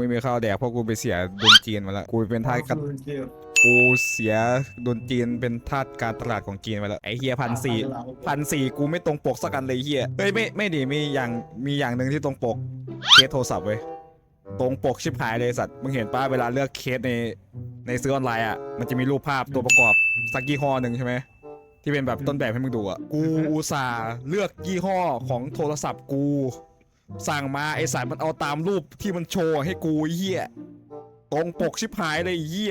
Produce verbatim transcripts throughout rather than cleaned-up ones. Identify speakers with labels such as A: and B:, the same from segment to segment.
A: ไม่มีข้าวแดกเพราะกูไปเสียดนจีนมาแล้วกูเป็นทาสการกูเสียดนจีนเป็นทาสการตลาดของจีนมาแล้วไอเฮียพันสี่พันสี่กูไม่ตรงปกสักอันเลยเฮียเฮ้ยไม่ไม่ดีมีอย่างมีอย่างหนึ่งที่ตรงปกเคสโทรศัพท์เว้ยตรงปกชิบหายเลยสัตว์มึงเห็นป้าเวลาเลือกเคสในในซื้อออนไลน์อ่ะมันจะมีรูปภาพตัวประกอบสักยี่ห้อหนึ่งใช่ไหมที่เป็นแบบต้นแบบให้มึงดูอ่ะกูอุตส่าห์เลือกยี่ห้อของโทรศัพท์กูสั่งมาไอสารมันเอาตามรูปที่มันโชว์ให้กูเหี้ยตรงปกชิบหายเลยเหี้ย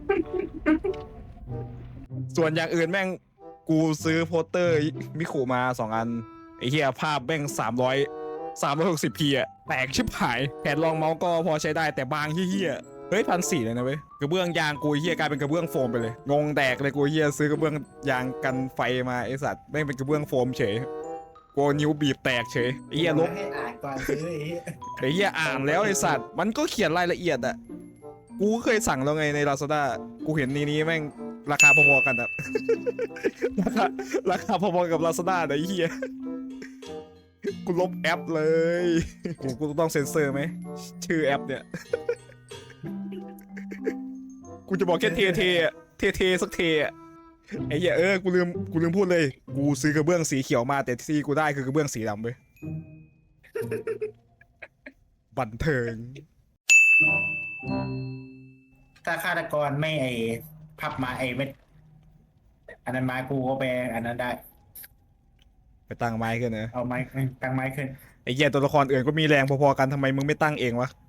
A: ส่วนอย่างอื่นแม่งกูซื้อโปสเตอร์มิคุมาสองอันไอเหี้ยภาพแม่งสามร้อยสามร้อยหกสิบพีอะแตกชิบหายแผ่นรองเมาส์ก็พอใช้ได้แต่บางเหี้ยเฮ้ยพันสี่เลยนะเว้ยกระเบื้องยางกูเหี้ยกลายเป็นกระเบื้องโฟมไปเลยงงแตกเลยกูเหี้ยซื้อกระเบื้องยางกันไฟมาไอสัตว์แม่งเป็นกระเบื้องโฟมเฉยกูนิ้วบีบแตกเฉยไอเหี้ยลบ
B: ให้อ่านก่อนซื้อไอ้
A: ไอ้เหี้ยอ่านแล้วไอ้สัตว์มันก็เขียนรายละเอียดอะกูเคยสั่งแล้วไงใน Lazada กูเห็นนี้นี้แม่งราคาพอๆกันอะ ราคาราคาพอๆกับ Lazada นะไอ้เหี้ยกูลบแอปเลยกูกูต้องเซ็นเซอร์ไหมชื่อแอปเนี่ย กูจะบอกแค่เทเทอะเทเทสักเทอะไอ้เหี้ยเออกูลืมกูลืมพูดเลยกูซื้อกระเบื้องสีเขียวมาแต่ที่กูได้คือกระเบื้องสีดำเว้ยบันเทิง
B: ถ้าฆาตกรไม่ไอ้พับมาไอ้เม็ดอันนั้นไม้กูก็ไปอันนั้นได้
A: ไปตั้งไม้ขึ้นนะ
B: เอาไม้ตั้งไม้ขึ้น
A: ไอ้เหี้ยตัวละครอื่นก็มีแรงพอๆกันทำไมมึงไม่ตั้งเองวะ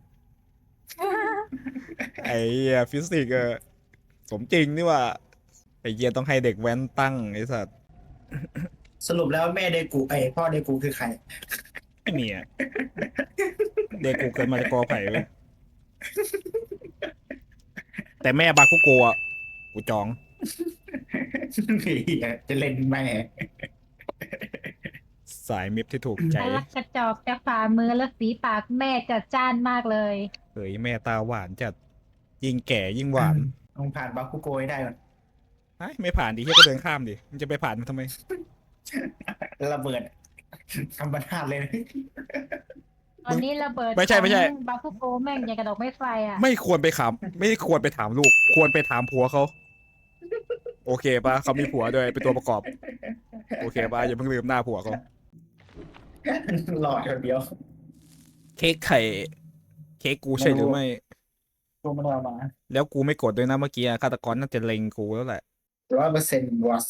A: ไอ้เหี้ยฟิสิกส์อะสมจริงนี่ว่าไอ้เหี้ยต้องให้เด็กแว้นตั้งไอ้สัตว์
B: สรุปแล้วแม่เดกูไอ้พ่อเดกูคือใคร
A: ไม่มีอะเด็กกูเกิดมาจากกอไผ่เว้ยแต่แม่บาคุโกะกูจอง
B: จะเล่นแม่
A: สายมิตรที่ถูกใจ
C: น่ารักกระจอกจากฝ่ามือและฝีปากแม่จัดจ้านมากเลย
A: เฮ้ยแม่ตาหวานจัดยิ่งแก่ยิ่งหวาน
B: ต้องผ่านบาคุโกยได้ก่อน
A: ไอ้ไม่ผ่านดิเฮียก็เดินข้ามดิมันจะไปผ่านมันทำไม
B: ระเบิดธรรมชาติเลย
C: ตอนนี้ระเบิด
A: ไม่ใช่ไม่ใช่
C: ของบาคุโกแม่งอย่างกระดอกไม้ไฟอ่ะ
A: ไม่ควรไปถามไม่ควรไปถามลูก ควรไปถามผัวเขาโอเคปะเขามีผัวด้วยเป็นตัวประกอบ โอเคปะอย่าเพิ่งลืมหน้าผัวเขา
B: หลอดคนเดียว
A: เค้กไข่เค้กกูใช่หรือไม่
B: ตัวมันเอามา
A: แล้วกูไม่กดด้วยนะเมื่อกี้อะฆาตกรน่าจะเล็งกูแล้วแหละ
B: ร้อยเปอร์เซ็นต์วอส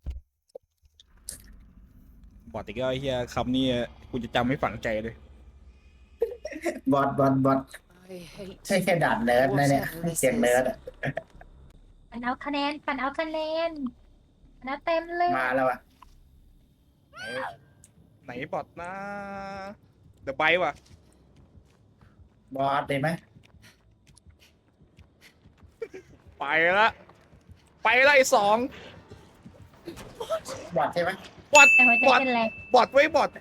A: บอดอีกแล้วไอ้เหี้ยคำนี้กูจะจำไม่ฝังใจเลย
B: บอสบอสบอสใช่แค่ด่านเนิร์ดนะเนี่ยเสียงเนิร์ดอะ
C: ปันเอาคะแนนปันเอาคะแนนปันเอาเต็มเลย
B: มาแล้วอะ
A: ไหนไหนบอดนะเดอะไบว่ะ
B: บอสได้ไหม
A: ไปละไปละไอ้สอง
B: บอสใช่ไหม
A: บอด
C: แต่หัวใจ
A: บอด
C: เป็นแรง
A: บอดไว้บอด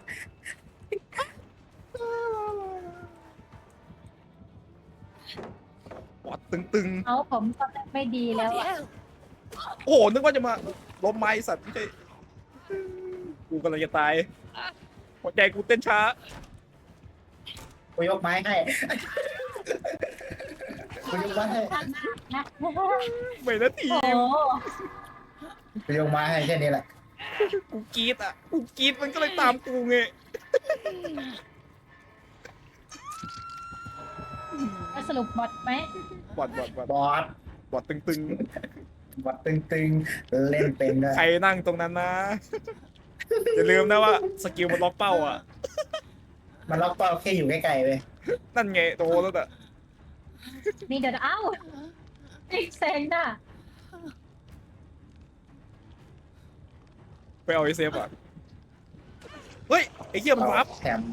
A: บอดตึง
C: เอาผมก็ไม่ดีแล้วอะ
A: ๆ โอ้โหนึกว่าจะมาล้มไม้สัตว์ไม่ใช่กูกำลังจะตายหัวใจกูเต้นช้า
B: กูยกไม้ให้กูยกไม้ให้
C: นะ
A: ไม่นะที
C: โอ้
A: ม
B: กูยกไม้ให้แค่นี้แหละ
A: กูกรีดอ่ะกูกรีดมันก็เลยตามกูไง
C: แล้วสรุปบอดไหม
A: บอดบอดบอด
B: บอส
A: บอดตึง
B: บอสตึงๆเล่นเป็นด้วย
A: ๆ ใครนั่งตรงนั้นนะ อย่าลืมนะว่าสกิลมันล็อกเป้าอ่ะ
B: มันล็อกเป้าแค่อยู่ใกล้ๆเว้ย
A: นั่นไงโตแล้วอ่ะ
C: นี่เดี๋ยวเอ้าอีกเซนน่ะ
A: ไปเอาไอเซฟอ่ะ เฮ้ย ไอ้เหี้ยมันรับ
B: แถม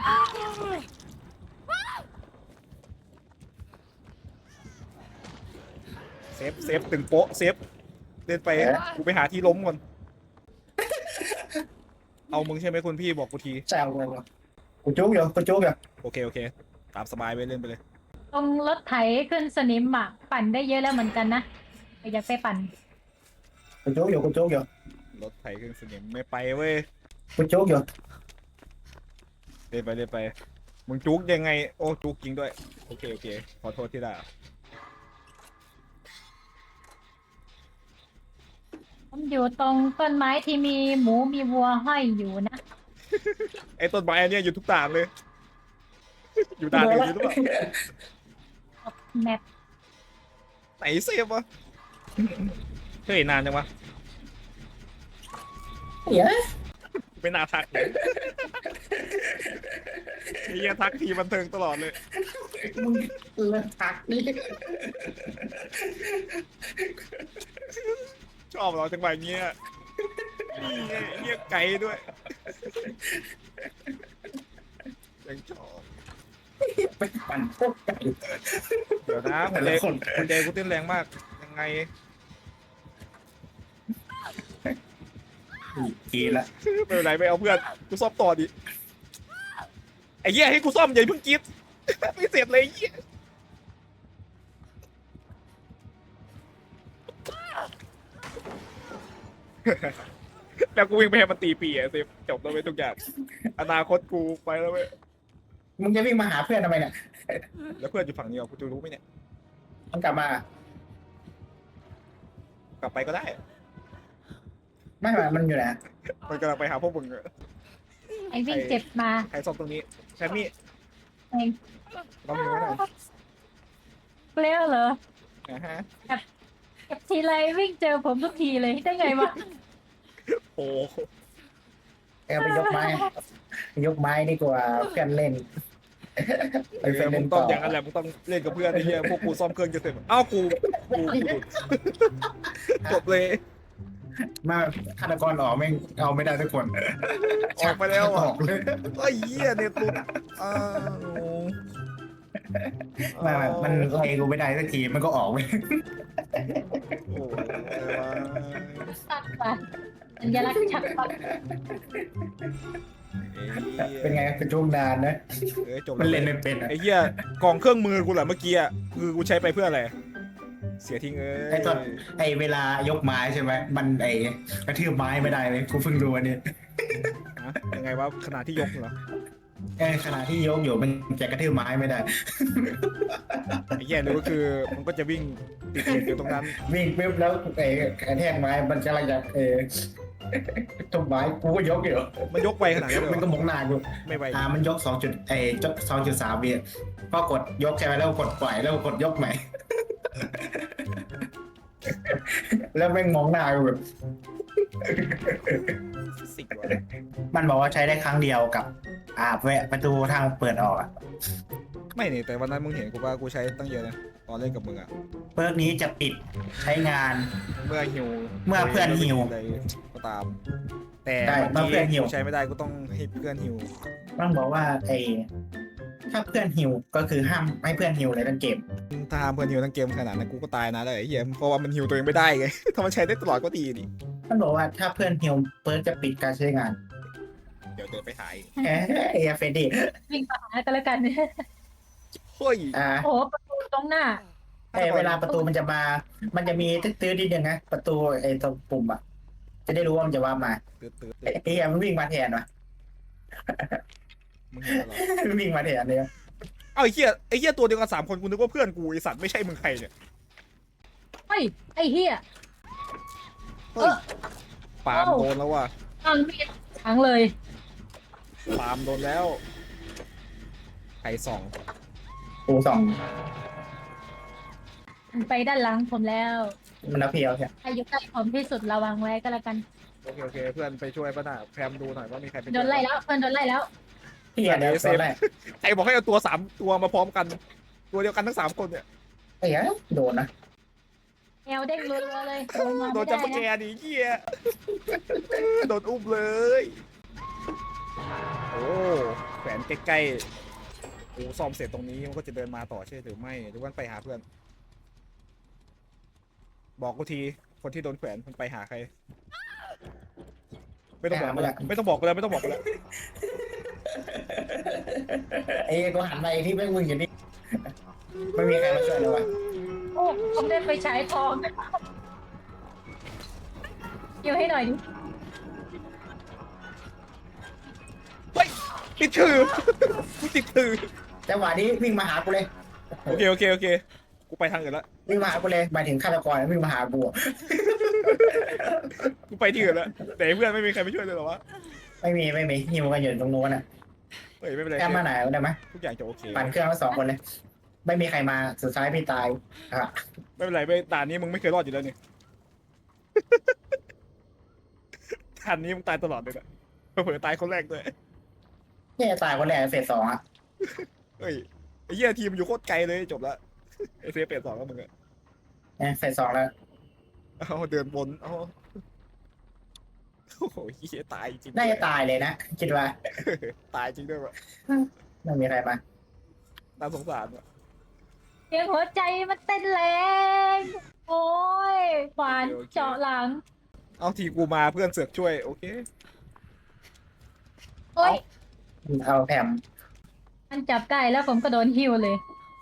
A: เซฟเซฟตึงโป๊ะเซฟเดินไปกูไปหาที่ล้มก่อน เอามึงใช่ไหมคุณพี่บอกกูที
B: แซวเลยกูจุกอยู่กูจุกอยู่
A: โอเคโอเค ตามสบายไปเล่นไปเลย
C: ตรงรถไถขึ้นสนิมอ่ะปั่นได้เยอะแล้วเหมือนกันนะอยากไปปั่น
B: กูจุกอยู่กูจุกอยู่
A: รถไถเครื่องสนิมไม่ไปเว้ย
B: กูจุกอยู่
A: เล่นไปเล่นไปมึงจุกยังไงโอ้จุกจริงด้วยโอเคโอเคขอโทษที่ด่า
C: ผมอยู่ตรงต้นไม้ที่มีหมูมีวัวห้อยอยู่นะ
A: ไอ้ต้นไม้อันเนี้ยอยู่ทุกด่านเลย อยู่ด่านอื่นอยู่หรือเปล่า
C: แมป
A: ไหนเซฟวะเฮ้ยนานจังวะ
B: เดี๋ยว
A: ไม่น่าทักเลยไอ้เหี้ยทักทีบันเทิงตลอดเลย
B: มึงเลิกทักนี่
A: ชอบเราจังหวะเงี้ยนี่ไงเรียกไก่ด้วยยังชอบ
B: ไปปั่นพวกไก่
A: เดี๋ยวนะหั
B: แต่
A: วใจ
B: ละคน
A: หัวใจกูเต้นแรงมากยังไง
B: ทีละ
A: ไม่เป็นไรไม่เอาเพื่อนกูซ่อมต่อดิไอ้เหี้ยให้กูซ่อมอย่าเพิ่งกรีด ไม่เสร็จเลยไอ้เหี้ยแล้วกูวิ่งไปให้มันตีปีอะเซฟจบแล้วเว้ยทุกอย่างอนาคตกูไปแล้วเว้ย
B: มึงจะวิ่งมาหาเพื่อนทำไมเนี่ย
A: แล้วเพื่อนอยู่ฝั่งนี้อ่ะกูจะรู้ไหมเนี่ย
B: มันกลับมา
A: กลับไปก็ได้
B: ไม่ไม่มันอยู่ไหน
A: มันกำลังไปหาพวกมึงอะ
C: ไอ้วิ่งเจ็บมา
A: ใครซ่อมตรงนี้แซมมี่
C: เอง
A: ลองดูหน่อย
C: เปรี้ยวเหรอ
A: นะฮะ
C: เก็บทีไรวิ่งเจอผมทุกทีเลยได้ไงวะ
A: โอ้
B: เอาไปยกไม้ ยกไม้ดีกว่าเพื่อนเล่น
A: ไอ้แซมมึงต้องอย่างนั้นแหละมึงต้องเล่นกับเพื่อนไอ้เหี้ยพวกกูซ่อมเครื่องจะเสร็จอ้าวกูกูกูหลุดจบเลย
B: มาฆาตกรออกไม่เอาไม่ได้ทุกคน
A: ออกไปแล้ว
B: อ
A: อ่ะ
B: อกเลย
A: ไอ้เหี้ยเนี่ยตุดอ้าว
B: ไมามันไล่กูไม่ได้สักทีมันก็ออกไป
A: โอ้อะไรวะ
C: สัตว์ว่ะสัญลักษณ์ชัดว่ะ
B: เป็นไงเป็นช่วงนานนะ
A: เอ้ยจบ
B: มัน
A: แว
B: เล่นไม่เป็นอะ
A: ไอ้เหี้ยกล่องเครื่องมือกูเหรอเมื่อกี้อ่ะคือกูใช้ไปเพื่ออะไรเสียทิ้งเอ้ย
B: ไอ้ตอนไอ้เวลายกไม้ใช่ไหมมันไอ้กระทืบไม้ไม่ได้เลยกูเพิ่งรู้อันนี้
A: ฮะยังไงวะขนาดที่ยกเหรอ
B: ไอ้ขณะที่ยกอยู่มันจะกระทืบไม้ไม่ได้
A: ไอ้แย่เลยก็คือมันก็จะวิ่งติดเหตุอยู่ตรงนั้น
B: วิ่งปุ๊บแล้วไอ้กระแทกไม้มันกำลังจะเออทุบไม้กูก็ยกอยู่
A: มันยกไปขนาดนั้นเลย
B: มัน
A: เหร
B: ก็
A: อ
B: มองหน้ากู
A: ไม่ไป
B: อ่ามันยกสองจุดไอ้สองจุดสามวิก็กดยกใช่ไหมแล้วกดปล่อยแล้วกดยกใหม่ แล้วแม่งมองหน้ากูแบบ
A: ฟิสิกส์วะ
B: มันบอกว่าใช้ได้ครั้งเดียวกับ อ่าแวะประตูทางเปิดออกอะ
A: ไม่นี่แต่วันนั้นมึงเห็นกูว่ากูใช้ตั้งเยอะนะตอนเล่นกับมึงอะ
B: เปิร์กนี้จะปิดใช้งาน
A: เมื่อหิว
B: เมื่อเพื่อนหิว
A: อะไรก็ตาม แต่
B: ใช่เมื่อเพื่อนหิว
A: กูใช้ไม่ได้กูต้องให้เพื่อนหิว
B: มันบอกว่าไอ้ถ้าเพื่อนหิวก็คือห้ามให้เพื่อนหิวเลยทั้งเกม
A: ถ้าห้ามเพื่อนหิวทั้งเกมขนาดนั้นกูก็ตายนะเลยไอ้เหี้ยเพราะว่ามันหิวตัวเองไม่ได้ไง ถ้ามันใช้ได้ตลอดก็ดีดิ
B: มันบอกว่าถ้าเพื่อนหิวเปิร์กจะปิดการใช้งาน
A: เดี๋ยวเดินไปหาย
B: เอ้ยเฟรดดี้
C: วิ่งไปหากันแล้วกัน
A: เฮ้ย
B: อ่า
C: โอ้โหประตูตรงหน้า
B: ไอ้เวลาประตูมันจะมา มันจะมีตื้อๆนิดนึงนะประตูไอ้ตรงปุ่มอ่ะจะได้รู้ว่ามันจะว่ามา
A: ตื่นตื่น
B: ไอ้เหี้ยมันวิ่งมาแทนวะ
A: มึงเห็นเหรอ
B: มันวิ่งมาแทนเลยอะ
A: เอ้าไอ้เหี้ยไอ้เหี้ยตัวเดียวกันสามคนกูนึกว่าเพื่อนกูไอสัตว์ไม่ใช่มึงใครเนี่ย
C: เฮ้ยไอ้เหี้ย
A: เฮ้ยปาล์มโดนแล้วว่ะ
C: ตั้งมีดขังเลย
A: ปาล์มโดนแล้วใครสอง
B: ปูสอง
C: มันไปด้านหลังผมแล้ว
B: มันเอาเพียวใช่
C: ใครอยู่ใกล้ผมที่สุดระวังไว้ก็แล้วกัน
A: โอเคโอเคเพื่อนไปช่วยป่ะน่ะแพมดูหน่อยว่ามีใครไป
C: โดนไล่แล้วเพื่อนโดนไล่แล้ว
B: เฮียเดี๋ยวตอนแรก
A: ใครบอกให้เอาตัวสามตัวมาพร้อมกัน ตัวเดียวกันทั้งสามคนเนี่ย
B: ไอ้เหี้ยโดนนะ
C: แอวเด้งรัวๆเลยโดนมา
A: โด
C: ไม่
A: นจั
C: ได้
A: บแก
C: นะ
A: ดิเหี้ยโดนอุ้มเลยโอ้แขวนใกล้ๆกูซ่อมเสร็จตรงนี้มันก็จะเดินมาต่อใช่หรือไม่หรือว่าไปหาเพื่อน บอกกูทีคนที่โดนแขวนมันไปหาใคร ไม่ต้องบอกกูแล้วไม่ต้องบอกกูแล้วไม่ต้องบอกกูแล้ว
B: ไอ้กูหันไปที่แม่งมึงอยู่นี่ไม่มีใครมาช่วยเลยวะ
C: โอ้ผมได้ไปฉายทองอยู่ให้หน่อยดิ
A: เฮ้ยติดถือกูติดถือ
B: จังหวะนี้วิ่งมาหากูเลย
A: โอเคโอเคโอเคกูไปทางอื่นละ
B: วิ่งมาหากูเลยหมายถึงฆาตกรวิ่งมาหากูอะ
A: กูไปที่อื่นละแต่เพื่อนไม่มีใครไปช่วยเลยเหรอวะ
B: ไม่มีไม่มีหิวกันอยู่ตรงนู้นน่ะ
A: เฮ้ยไม่เป็นไร
B: แค่มาไหนได้ไหม
A: ทุกอย่างจะโอเค
B: ปั่นเครื่องมาสองคนเลย ไม่มีใครมาสุดท้ายพี่ตายอะ
A: ไม่เป็นไรไม่ด่านนี้มึงไม่เคยรอดอยู่แล้วนี่ ด่านนี้มึงตายตลอดเลยนะเผื่อๆตายคนแรกด้วย
B: เนี่ยตายคนแรกเฟสสองอ่ะ
A: เฮ้ยไอ้เหี้ยทีมอยู่โคตรไกลเลยจบละไอ้เซฟเปลี่ยนสองแล้วมึงอะ
B: เนี่ยเฟสสองแล้ว
A: เอาเดินวนเอาโอ้โหเหี้ยตายจริง
B: น่าจะตายเลยนะคิดว่า
A: ตายจริงด้วยวะ
B: ไม่มีใครมา
A: น่าสงสารว่ะ
C: เสียงหัวใจมันเต้นแรง โอ้ยขวานเจาะหลัง
A: เอาทีกูมาเพื่อนเสือกช่วยโอเค
C: โอ้ย
B: เอาแผม
C: มันจับใกล้แล้วผมก็โดนหิวเลย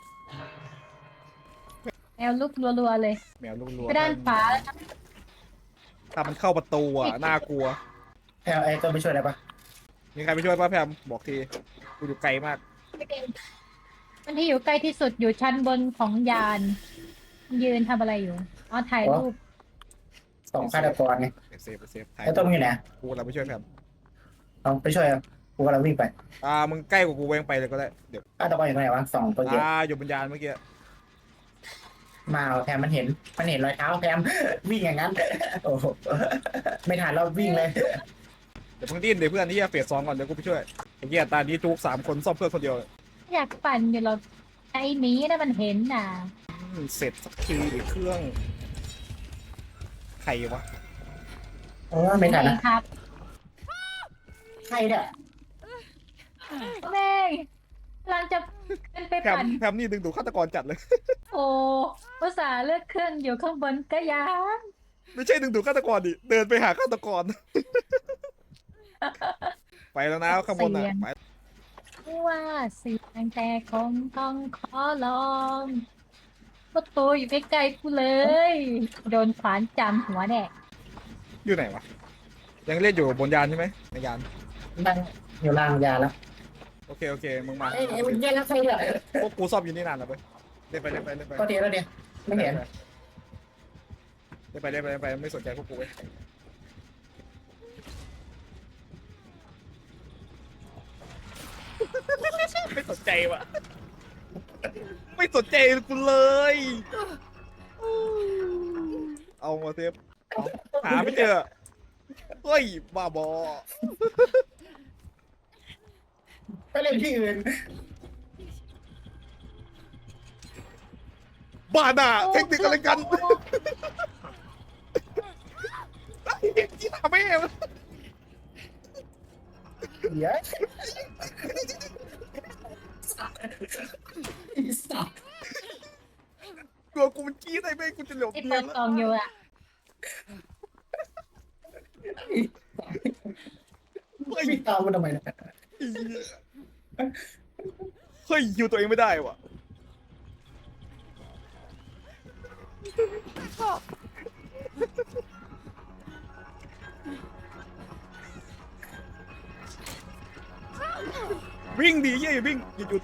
C: แอลลุกรัวๆเลย
A: แมวรัว
C: ไปด้านขวาแล้วนะ
A: ถ้ามันเข้าประตูอ่ะน่ากลัว
B: แผมไอ้ตัวไปช่วยได้ปะ
A: มีใครไปช่วยป้าแพมบอกทีกูอยู่ไกลมาก
C: มันที่อยู่ใกล้ที่สุดอยู่ชั้นบนของยาน ยืนทำอะไรอยู่อ๋อถ่ายรูป
B: สองฆาตกรไง
A: เซฟเซฟถ่าย
B: ไอ้ตัวมึงอยู่ไหน
A: กูเราไปช่วยแพม
B: เอาไปช่วยเอากูกำลังวิ่งไป
A: อ่ามึงใกล้กว่ากูเวงไปเลยก็ได้เดี๋ยว
B: ฆาตกรอยู่ตรงไหนวะสองตัวเดียว
A: อ่าอยู่บนยานเมื่อกี้
B: มาเอาแพมมันเห็นมันเห็นรอยเท้าแพม วิ่งอย่างนั้นโอ้โหไม่ทันแล้ววิ่งเลย
A: เดี๋ยวเพิ่งดิ้นเดี๋ยวเพื่อนที่จะเฟสสองก่อนเดี๋ยวกูไปช่วยไอ้เหี้ยตานี้ทุกสามคนซ่อมเพื่อนคนเดียว
C: อยากปั่นอยู่หรอกไอ้หมีนะมันเห็นน่ะ
A: อืมเสร็จสักทีเครื่องใครวะ
B: โอ้ไม่ทัน
C: เอ
B: นะ
C: งครับ
B: ใครเนี่ย
C: แม่งกำลังจะขึ้นไป
A: แพม
C: ปั่น
A: แพมนี่ดึงดูฆาตกรจัดเลย
C: โอ้ภาษาห์เลือกเครื่องอยู่ข้างบนก็ยัง
A: ไม่ใช่ดึงดูฆาตกรดิเดินไปหาฆาตกร ไปแล้วนะข้างบนอ่ะไป
C: ว่าเสียงแต่คงต้องขอลองประตูอยู่ใกล้ๆกูเลย โดนขวานจำหัวแน่
A: อยู่ไหนวะยังเล่นอยู่บนยานใช่ไหมในยาน
B: นั่งอยู่ล่างยาแล้ว
A: โอเคโอเคมึงมา
B: เอ้ยเอ้ยมันแย่งแล้วใครเนี่ย
A: พวกกูซ่อมอยู่นี่นานแล้วไปเล่นไปเล่นไปเล่นไป
B: ก็เดียวแล้วเดียวไม่เห็น
A: เล่นไปเล่นไปเล่นไปไม่สนใจพวกกูเว้ยไม่สนใจวะไม่สนใจกูเลย เอามาเซฟเอาหาไม่เจอเฮ้ยบ้าบอ
B: ไปเล่นที่อื่น
A: บ้าน่ะเทคนิคอะไรกันที่ทำให้
B: เดี๋ยวไอ้สัตว์
A: กลัวกูมันกี้ได้ไหมกูจะหลบ
C: ที่
A: เนี
C: เปิ
A: ย
C: ด
A: น
C: กล่องอยู่อ่ะ
A: เฮ้ย
B: วิ่งตามมันทำไมเนี่ย
A: เฮ้ยยิวตัวเองไม่ได้ว่ะวิ่งดีเย่อย่าวิ่งอย่าหยุด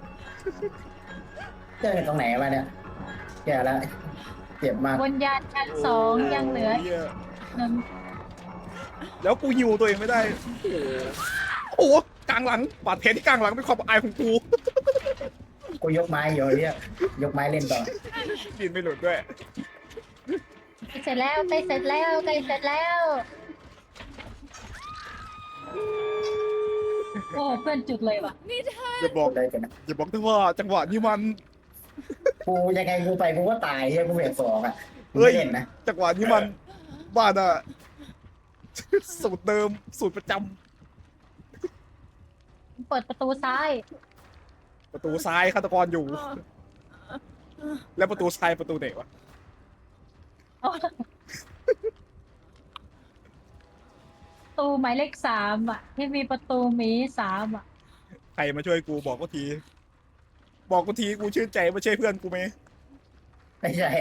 B: เจอกันตรงไหนมาเนี่ยแย่แล้วเจ็บมาก
C: บนยานชั้นสองยังเหลือ
A: โหี้ย
C: หนึ่ง
A: แล้วกูยิวตัวเองไม่ได้ โอ้โหกลางหลังบาดแผลที่กลางหลังเป็นความอายของกู
B: กูยกไม้อยู่เนี่ยยกไม้เล่นต่อ
A: ดินไม่หลุดด้วย
C: ใกล้เสร็จแล้วใกล้เสร็จแล้วใกล้เสร็จแล้ว โอ้เพื่อนจุดเลยว่ะ
A: อย่าบอก
B: ได้กันนะ
A: อย่าบอกนะว่าจังหวะนี้มัน
B: กูยังไงกูไปกูก็ตายเฮียกูเวทสองอ่ะกู
A: เฮ้ย
B: ไม่เล่นนะ
A: จังหวะนี้มันบ้านอะสูตรเดิมสูตรประจำ
C: เปิดประตูซ้าย
A: ประตูซ้ายฆาตกรอยู่ แล้วประตูซ้ายประตูไหนวะ
C: ประตูหมายเลขสามอ่ะ ที่มีประตูหมีสามอ่ะ
A: ใครมาช่วยกูบอกกูที บอกกูทีกูชื่นใจไม่ใช่เพื่อนกูไหม
B: ไม่ใช่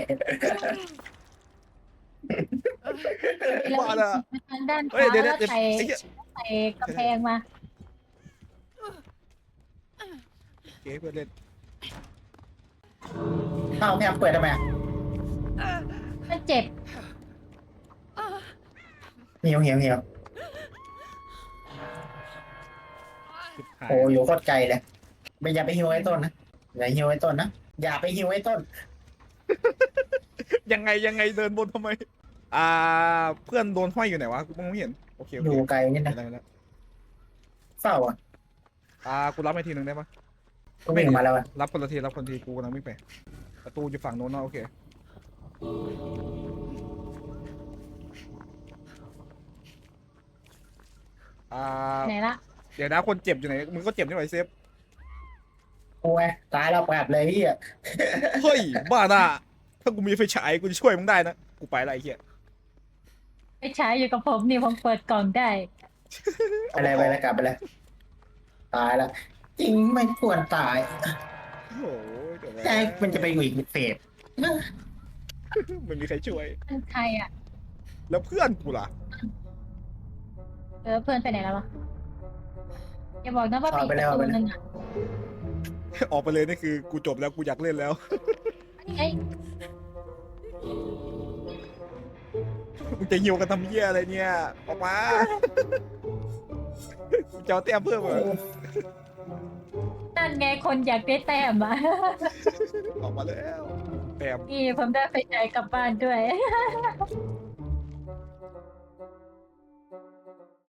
C: แล้ว
A: บ้าละ
C: ทางด้านข
A: เฮ้ยว
C: า
A: เดี๋ยว
C: แล้ว
A: เดี๋ยว
C: ใส่
A: ไอ้เหี้ย
C: ใส่กระแพงมา
A: เพื่อนเล่น
B: เอ้าแพมเปิดทำไมอะ
C: มันเจ็บ
B: เหี่ยวเหี่ยวเหี่ยว
A: ชิบหาย
B: โอ้อยู่โคตรไกลเลยไม่อย่าไปหิวไอ้ต้นนะอย่าหิวไอ้ต้นนะอย่าไปหิวไอ้ต้น
A: ยังไงยังไงเดินบนทำไม อ่า เพื่อนโดนห้อยอยู่ไหนวะกูมองไม่เห็นโอเคโอ
B: อ
A: เค
B: ยู่ไกลนิดนะ
A: ได้แล้ว
B: เฝ้าอ่ะ
A: อ่ากูรับไปทีหนึ่งได้ปะ
B: ก็วิ่งออกมาแล้วอ่ะ
A: รับคนละทีรับคนละทีกูกำลังวิ่งไปประตูอยู่ฝั่งโน้นนะโอเคอ่า
C: ไหนละ
A: เดี๋ยวนะคนเจ็บอยู่ไหนมึงก็เจ็บนี่หว่าไอ้เซฟ
B: โอ้ยตายแล้วแบบเลยพี่อ่ะ
A: เฮ้ยบ้าน่ะถ้ากูมีไฟฉายกูจะช่วยมึงได้นะกูไปละไอ้เหี้ย
C: ไปใช้อยู่กับผมนี่ผมเปิดกล่องได้
B: ไปเลยไปเลยกลับไปเลยตายแล้วจริงไม่ควรตาย
A: โอ้โหเดี๋ยวนะ
B: แต่มันจะไปอยู่อีกเฟส
A: ไม่มีใครช่วย
C: มันใครอ่ะ
A: แล้วเพื่อนกูล่ะ
C: เออเพื่อนไปไหนแล้ววะอย่าบอกนะว่าปิดประตูนึงอ่ะ
A: ออกไปเลยนี่คือกูจบแล้วกูอยากเล่นแล้ว
C: ไอ้
A: มึงจะหิวกันทำเหี้ยอะไรเนี่ยออกมากูจะเอาแต้มเพิ่มเหรอ
C: นั่นไงคนอยากได้แต้มอ่ะ
A: ออกมาแล้วแต้ม
C: นี่ผมได้ไปใช้กลับบ้านด้วย